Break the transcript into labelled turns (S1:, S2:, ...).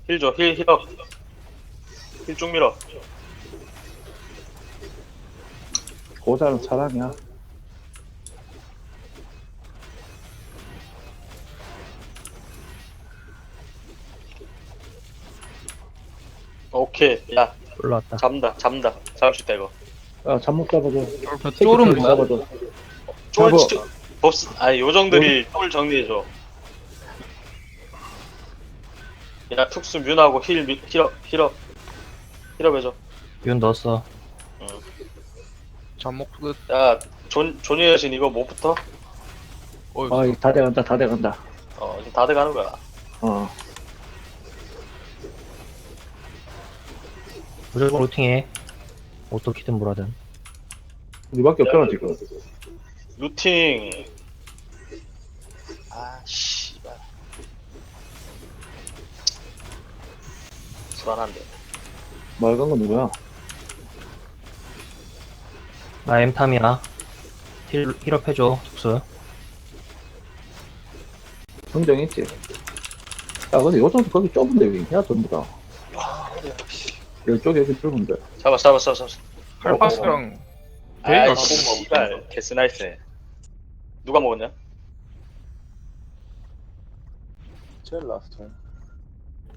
S1: 힐 줘, 힐업. 힐 쭉 밀어.
S2: 고자는 사랑이야.
S1: 오케이. 야,
S3: 올라왔다.
S1: 잡는다. 잡을 수 있다, 이거.
S2: 야, 잠못 잡아줘.
S4: 쫄은 뭐야?
S2: 잡아줘.
S1: 쫄,
S2: 잡아.
S1: 법스, 아니, 요정들이 쫄 정리해줘. 야, 툭스 뮤하고 힐업 해줘.
S3: 윤 넣었어.
S4: 잠복 끝.
S1: 야, 존이 여신 이거 못 붙어?
S2: 아, 이거 다 돼간다, 다 돼간다.
S1: 지금 다 돼가는 거야.
S2: 어.
S3: 무조건 루팅해. 어떻게든 뭐라든.
S2: 우리밖에 없잖아, 지금.
S1: 루팅. 아, 씨발. 불안한데.
S2: 말간 건 누구야?
S3: 나 엠탐이야. 힐업 해줘, tuk수.
S2: 성정 있지? 야, 근데 요정도 거기 좁은데 왜 있냐, 전부 다. 이쪽에 여기 좁은데.
S1: 잡았어.
S4: 칼파스랑
S1: 아이,
S4: 베이가
S1: 씨발. 개스나이스. 누가 먹었냐?
S5: 제일 라스트.